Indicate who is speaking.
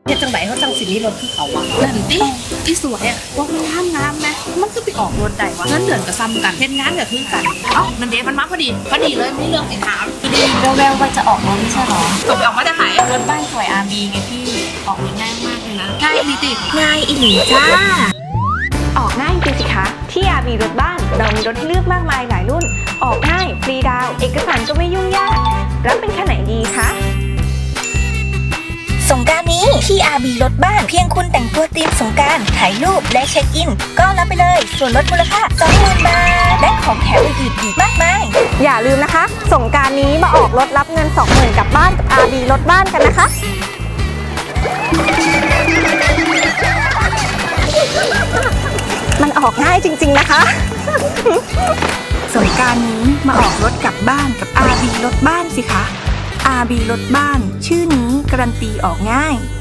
Speaker 1: เฮ็ดจังไหนเขาจังสินี้รถคือเขาวะนั่นดิที่สวยอะว่ามันงามไหมมันก็ไปออกรถได้วะเงินเดือนก็ซ้ำกันเฮ็ดงานก็คือกันเอ้านั่นเด็มันมาพอดีเลยมีเรื่องสิถาม
Speaker 2: แววๆว่าจะออกรถไม่ใช่หรอ
Speaker 1: ตกออกมาจะหาย
Speaker 2: รถบ้านสวย RB ไงพี่ออกรถง่ายมากเลยนะ
Speaker 1: ง่ายอีติ
Speaker 2: ง่ายอีหลีจ้า
Speaker 3: ออกง่ายจริงสิคะที่ RB รถบ้านเรามีรถให้เลือกมากมายหลายรุ่นออกง่ายฟรีดาวน์เอกสารก็ไม่ยุ่งยากรับเป็นคันไหนดีคะ
Speaker 4: สงกรานต์นี้ที่ RB รถบ้านเพียงคุณแต่งตัวธีมสงกรานต์ถ่ายรูปและเช็คอินก็รับไปเลยส่วนลดมูลค่า 20,000 บาทและของแถมอื่นๆอีกมากมาย
Speaker 3: อย่าลืมนะคะสงกรานต์นี้มาออกรถรับเงิน 20,000 กลับบ้านกับ RB รถบ้านกันนะคะมันออกง่ายจริงๆนะคะ
Speaker 5: สงกรานต์นี้มาออกรถกลับบ้านกับ RB รถบ้านสิคะ RB รถบ้านชื่อนี้การันตีออกง่าย